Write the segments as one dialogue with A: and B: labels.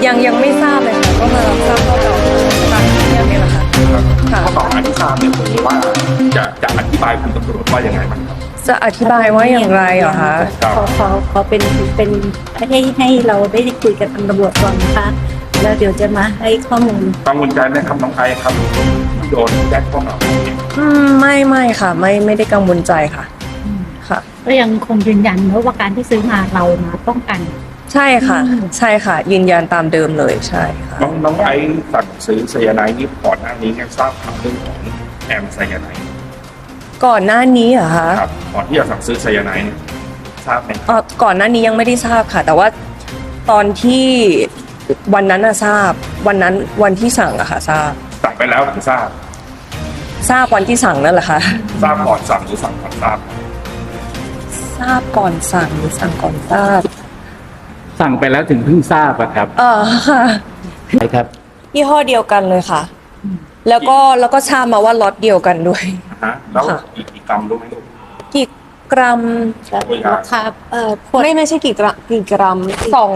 A: ยังไม่ทราบเลยค่ะก็มารับทราบข้อกล่าวหาตามที่นี่แหละค่ะค่ะ
B: ข้อกล่าวหาที่ทราบเนี่ยผมว่าจะอธิบายคุณตำรวจว่ายังไงบ้างครับ
A: จะอธิบายว่าอย่างไรเหรอคะ
C: ขอเป็นให้เราได้คุยกับทางตำรวจก่อนนะคะแล้วเดี๋ยวจะมาให้ข้อมูล
B: กังวลใจไหมครับน้องไอซ์ครับที่โดนแจ้งข้อกล่าวหาเนี่ย
A: ไม่ค่ะไม่ได้กังวลใจค่ะค่ะ
C: ก็ยังคงยืนยันว่าการที่ซื้อมาเรามาป้องกัน
A: ใช่ค่ะยืนยันตามเดิมเลยใช่ค่ะ
B: น้องไอซ์สั่งซื้อไซยาไนด์นี่ก่อนหน้านี้ยังทราบข่าวเรื่องของแอมไซยาไนด์
A: ก่อนหน้านี้เหรอคะ
B: ครับก่อนที่จะสั่งซื้อไซยาไนด์เนี่ยทราบไหม
A: ก่อนหน้านี้ยังไม่ได้ทราบค่ะ แต่ว่าตอนที่วันนั้นทราบวันที่สั่งอะค่ะทราบ
B: สั่งไปแล้วถึงทราบ
A: วันที่สั่งนั่นแหละค่ะ
B: ทราบก่อนสั่งหรือสั่งก่อนทราบ
A: ทราบก่อนสั่งหรือสั่งก่อนทราบ
D: สั่งไปแล้วถึงเพิ่งทราบอะครับ
A: ค่ะ
D: ใช่ครับ
A: ยี่ห้อเดียวกันเลยค่ะ แล้วก็ทราบมาว่าล็อตเดียวกันด้วย
B: แล้ว
A: ค่ะ
B: กี่กรัมรู้ไหมลูก
A: กี่กรัม
C: ราคาขวด
A: ไม่ใช่กี่กรัม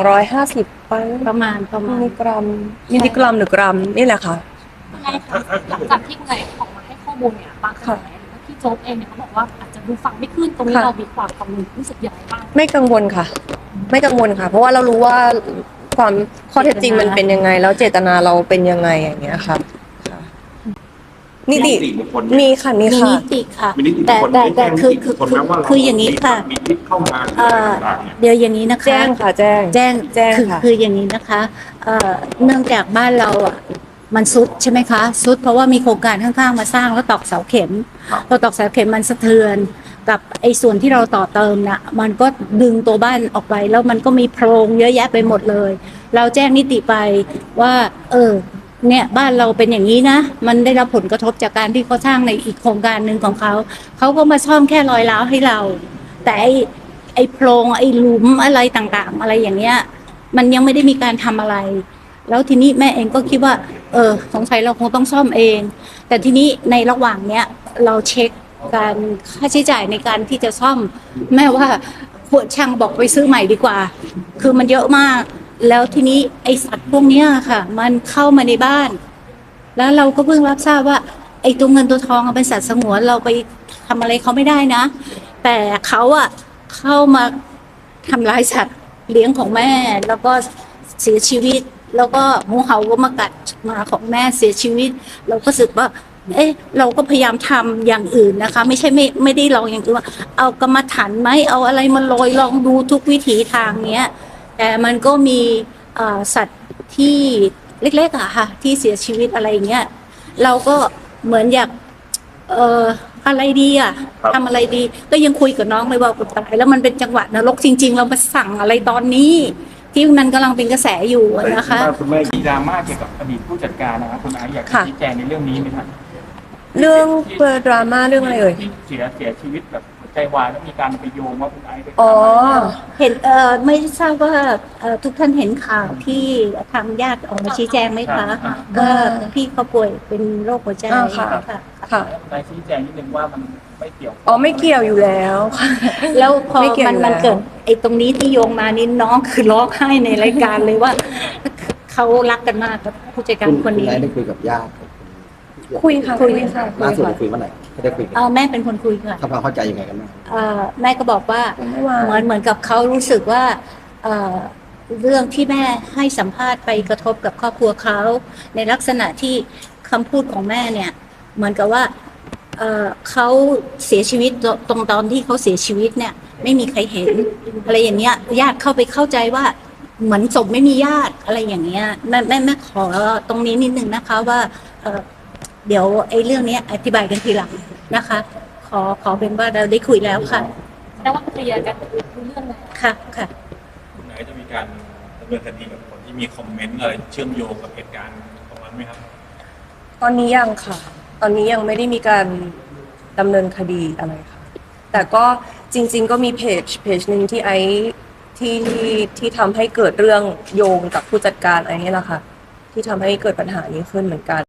A: 250ไป
C: ประมาณ
A: มิลลิกรัมหรือกรัมนี่แหละค่ะ
E: ใช่ค่ะหลังจากที่คุณนายออกมาให้ข้อมูลเนี่ยบางกระแสหรือว่าพี่โจ๊กเองเนี่ยเขาบอกว่าอาจจะดูฟังไม่ขึ้นตรงนี้
A: ค่ะ
E: เรามีความกังวลรู้สึกยังไงบ้าง
A: ไม่กังวลค่ะ เพราะว่าเรารู้ว่าความข้อเท็จจริงมันเป็นยังไง แล้วเจตนาเราเป็นยังไงอย่างเงี้ยค่ะนิติ
B: บุคคล
A: มีค่ะ
C: มีนิติค่ะ
B: มีนิติบุ
C: แต่
B: คคล
C: แต่
B: ได้
C: คือ
B: แจ้งนิติบุคคลนะว่า
C: คืออย่างนี้ค่ะ
B: มีทิศเข้ามา ต่างๆเนี่ย
C: เดี๋ยวอย่างนี้นะคะ
A: แจ้งค่ะแจ้ง
C: แจ้ง
A: ค่ะ
C: คืออย่างนี้นะคะเนื่องจากบ้านเราอ่ะมันซุดใช่ไหมคะซุดเพราะว่ามีโครงการข้างๆมาสร้างแล้วตอกเสาเข็ม
B: ครับ
C: พอตอกเสาเข็มมันสะเทือนกับไอ้ส่วนที่เราต่อเติมน่ะมันก็ดึงตัวบ้านออกไปแล้วมันก็มีโพรงเยอะแยะไปหมดเลย เราแจ้งนิติไปว่าเนี่ยบ้านเราเป็นอย่างนี้นะมันได้รับผลกระทบจากการที่เขาสร้างในอีกโครงการหนึ่งของเขาก็มาซ่อมแค่รอยร้าวให้เรา แต่ไอ้โพรงไอ้หลุมอะไรต่างๆ อะไรอย่างเงี้ยมันยังไม่ได้มีการทำอะไร แล้วทีนี้แม่เองก็คิดว่าสงสัยเราคงต้องซ่อมเอง แต่ทีนี้ในระหว่างเนี้ยเราเช็คการค่าใช้จ่ายในการที่จะซ่อม แม่ว่าพวกช่างบอกไปซื้อใหม่ดีกว่า คือมันเยอะมาก แล้วทีนี้ไอสัตว์พวกเนี้ยค่ะ มันเข้ามาในบ้าน แล้วเราก็เพิ่งรับทราบว่าไอตัวเงินตัวทองเป็นสัตว์สงวนเราไปทำอะไรเขาไม่ได้นะ แต่เขาอะเข้ามาทำร้ายสัตว์เลี้ยงของแม่ แล้วก็เสียชีวิต แล้วก็งูเห่าก็มากัดหมาของแม่เสียชีวิต เราก็รู้สึกว่า เราก็พยายามทำอย่างอื่นนะคะ ไม่ใช่ไม่ได้ลองอย่างอื่นว่า เอากรรมฐานไหมเอาอะไรมาโรยลองดูทุกวิถีทางเนี้ย แต่มันก็มีสัตว์ที่เล็กๆอะค่ะ ที่เสียชีวิตอะไรอย่างเงี้ยเราก็เหมือนอยากอะไรดีอะทำอะไรดี ก็ยังคุยกับน้องเลยว่าตายแล้วมันเป็นจังหวะนรกจริง ๆ เรามาสั่งอะไรตอนนี้ ที่มันกำลังเป็นกระแสอยู่นะคะ
D: คุณแม่มีดราม่าเกี่ยวกับอดีตผู้จัดการนะครับคุณไอซ์อยากจะ
A: ค่ะ
D: ชี้แจงในเรื่องนี้ไหมครับ
A: เรื่องดราม่าเรื่องอะไรเอ่ย
D: ที่เสียชีวิตแบบหัวใจวายแล้วมีการไปโยงว่าคุณไอซ์ไป
A: อ๋อ
C: เห็นไม่ทราบว่าทุกท่านเห็นข่าวที่ทางญาติออกมาชี้แจงไหมคะก็พี่เขาป่วยเป็นโรคหัวใจ
A: ค่ะ
C: ค่ะ
A: ค่ะ
D: คุณไอซ์ชี้แจงนิดนึงว่ามันไม่เกี่ยว
A: ไม่เกี่ยวอยู่แล้วค่ะ
C: แล้วพอ
A: ไม่เกี่ยว
C: มัน
A: อยู่แล้ว
C: เกิดไอ้ตรงนี้ที่โยงมานี่น้องคือร้องไห้ในรายการเลยว่าเขารักกันมากกับผู้จัดการคนนี้
F: ณได้คุยกับญาติ
A: คุยค่ะ
F: ล่าสุดได้คุยเมื่อไหร่ไม่ได้คุยกัน
C: แม่เป็นคนคุยค่ะ
F: ทำความเข้าใจยังไงกันบ้าง
C: แม่ก็บอกว่า
A: เมื่อวาน
C: เหมือนกับเขารู้สึกว่าเรื่องที่แม่ให้สัมภาษณ์ไปกระทบกับครอบครัวเขาในลักษณะที่คำพูดของแม่เนี่ย เหมือนกับว่าเขาเสียชีวิตตรงตอนที่เขาเสียชีวิตเนี่ย ไม่มีใครเห็นอะไรอย่างเงี้ยญาติเข้าไปเข้าใจว่าเหมือนศพไม่มีญาติอะไรอย่างเงี้ยแม่ขอตรงนี้นิดนึงนะคะว่าเดี๋ยวไอ้เรื่องนี้อธิบายกันทีหลังนะคะ ขอเป็นว่าเราได้คุยแล้วค่ะ
E: แต่ว่าเคลียร์กันรู้เรื่องเลย
C: ค่ะค่ะ
G: คุณไอซ์จะมีการดำเนินคดีกับคนที่มีคอมเมนต์อะไรเชื่อมโยงกับเหตุการณ์ตรงนั้นไหมครับ
A: ตอนนี้ยังค่ะ ตอนนี้ยังไม่ได้มีการดำเนินคดีอะไรค่ะ แต่ก็จริง ๆ ก็มีเพจหนึ่งที่ที่ทำให้เกิดเรื่องโยงกับผู้จัดการไอ้นี่แหละค่ะ ที่ทำให้เกิดปัญหานี้ขึ้นเหมือนกัน